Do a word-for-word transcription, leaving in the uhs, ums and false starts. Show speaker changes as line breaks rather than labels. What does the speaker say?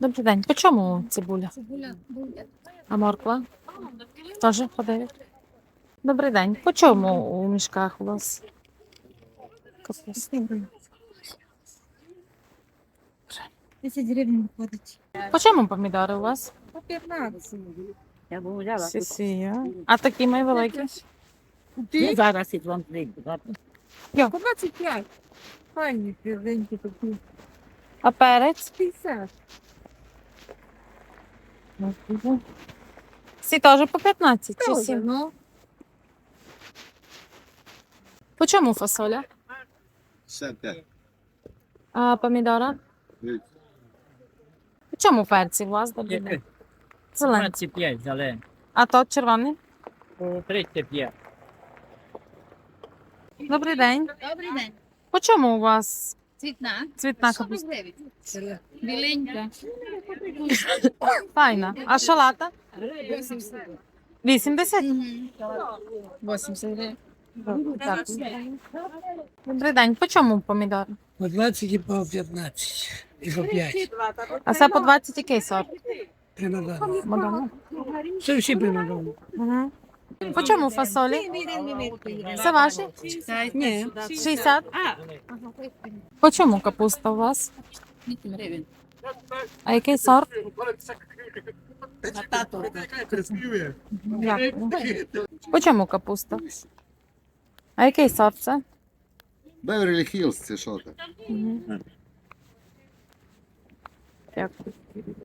Добрий день. По чому цибуля?
Цибуля буде.
А морква? Теж по дев'ять. Добрий день. По чому у мішках у вас? Капуста.
десять гривень виходить.
По чому помідори у вас?
По п'ятнадцять.
Я б взяла.
Сісія. А такі мої великі?
Я зараз із вам прийду.
По двадцять п'ять. Файні, південькі такі.
А перець?
п'ятдесят.
Всі теж по п'ятнадцять чи
Тоже,
сім?
ну.
По чому фасоля?
п'ятдесят п'ять.
А помідора? По чому перці у вас? Добрий день. Зелені.
двадцять п'ять зелень.
А то червоний?
По тридцять п'ять.
Добрий день.
Добрий день.
По чому у вас
Цвітна.
цвітна капуста?
Біленька.
Файна. А шалата?
вісімдесят.
вісімдесят?
вісімдесят гривень.
Дякую. Добрий день. По чому помідори?
По двадцять і по п'ятнадцять. І по п'ять.
А це по двадцять який сорт?
Примадонна.
Мадонна.
Це всі примадонни.
Угу. По чому фасолі? Це ваші?
Ні.
шістдесят? По чому капуста у вас?
гривень.
А який сорт?
Тато.
Дякую. По чому капуста? А який сорт це?
Беверлі Хіллз, це що таке?
Дякую.